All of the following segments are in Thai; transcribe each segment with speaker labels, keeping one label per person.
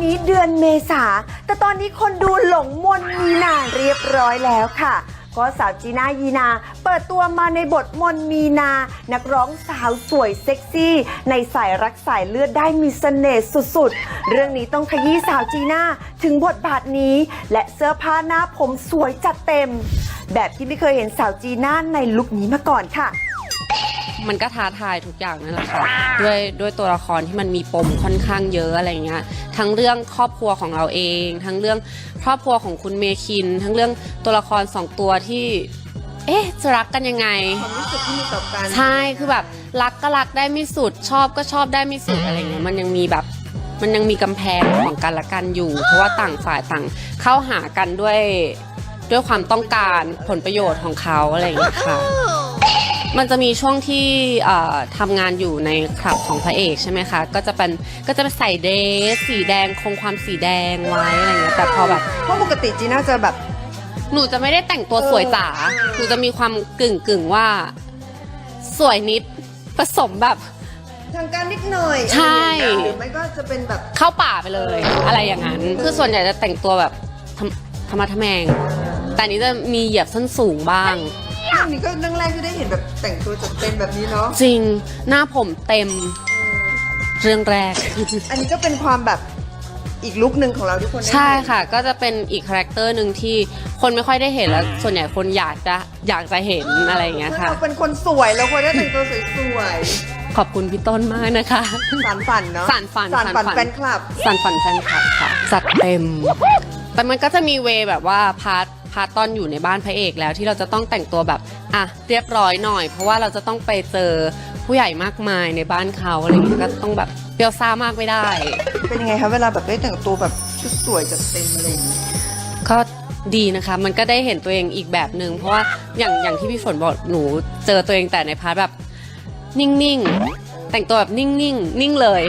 Speaker 1: นี้เดือนเมษาแต่ตอนนี้คนดูหลงมนมีนาเรียบร้อยแล้วค่ะก็สาวจีน่ายีนาเปิดตัวมาในบทมนมีนานักร้องสาวสวยเซ็กซี่ในสายรักสายเลือดได้มีเสน่ห์สุดๆเรื่องนี้ต้องขยี้สาวจีน่าถึงบทบาทนี้และเสื้อผ้าหน้าผมสวยจัดเต็มแบบที่ไม่เคยเห็นสาวจีน่าในลุคนี้มาก่อนค่ะ
Speaker 2: มันก็ท้าทายทุกอย่างนั่นแหละค่ะด้วยตัวละครที่มันมีปมค่อนข้างเยอะอะไรเงี้ยทั้งเรื่องครอบครัวของเราเองทั้งเรื่องครอบครัวของคุณเมคินทั้งเรื่องตัวละคร2ตัวที่จะรักกันยังไง
Speaker 1: ความรู้สึกที่มีต่อกัน
Speaker 2: ใช่คือแบบรักก็รักได้ไม่สุดชอบก็ชอบได้ไม่สุดอะไรเงี้ยมันยังมีกำแพงของกันและกันอยู่เพราะว่าต่างฝ่ายต่างเข้าหากันด้วยความต้องการผลประโยชน์ของเขาอะไรอย่างเงี้ยค่ะมันจะมีช่วงที่ทำงานอยู่ในคลับของพระเอกใช่ไหมคะก็จะใส่เดรสสีแดงคงความสีแดงไว้อะไรเงี้ยแต่พอแบบ
Speaker 1: เพราะปกติจีน่าจะแบบ
Speaker 2: หนูจะไม่ได้แต่งตัวสวยจ๋าหนูจะมีความกึ่งว่าสวยนิดผสมแบบ
Speaker 1: ทางการนิดหน่อย
Speaker 2: ใช่
Speaker 1: หรือไม่ก็จะเป็นแบบ
Speaker 2: เข้าป่าไปเลยอะไรอย่างนั้นคือส่วนใหญ่จะแต่งตัวแบบธรรมะทแมงแต่นี้จะมีเหยียบส้นสูงบ้าง
Speaker 1: อันนี้ก็เรื่องแรกที่ได้เห็นแบบแต่งตัวจัดเต็มแบบนี้เนาะ
Speaker 2: จริงหน้าผมเต็มเรื่องแรก
Speaker 1: อันนี้ก็เป็นความแบบอีกลุคหนึ่งของเราทุกคน
Speaker 2: ใช่ค่ะก็จะเป็นอีกคาแรคเตอร์หนึ่งที่คนไม่ค่อยได้เห็นแล้วส่วนใหญ่คนอยากจะเห็นอะไรอย่างเงี้ยค่ะ
Speaker 1: เราเป็นคนสวยเราควรได้แต่งตัวสวย
Speaker 2: ขอบคุณพี่ต้นมากนะคะ
Speaker 1: สานฝันเนาะ
Speaker 2: สานฝัน
Speaker 1: แฟนคลับ
Speaker 2: สานฝันแฟนคลับค่ะจัดเต็มแต่มันก็จะมีเวแบบว่าพาร์ทตอนอยู่ในบ้านพระเอกแล้วที่เราจะต้องแต่งตัวแบบเรียบร้อยหน่อยเพราะว่าเราจะต้องไปเจอผู้ใหญ่มากมายในบ้านเขาอะไรอย่างเงี้ยก็ต้องแบบเปรี้ยวซ่ามากไม่ได้
Speaker 1: เป็นยังไงคะเวลาแบบได้แต่งตัวแบบชุดสวยจัดเต็มอะไรอย่างงี้
Speaker 2: ก็ดีนะคะมันก็ได้เห็นตัวเองอีกแบบนึงเพราะว่าอย่างที่พี่ฝนบอกหนูเจอตัวเองแต่ในพาร์ทแบบนิ่งๆแต่งตัวแบบนิ่งนิ่งเลย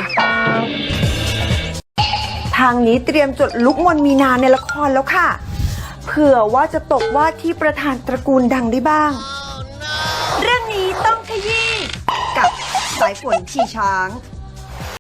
Speaker 1: ทางนี้เตรียมจดลุคมนมีนาในละครแล้วค่ะเผื่อว่าจะตกว่าที่ประธานตระกูลดังได้บ้างเรื่องนี้ต้องขยี้กับสายฝนขี่ช้าง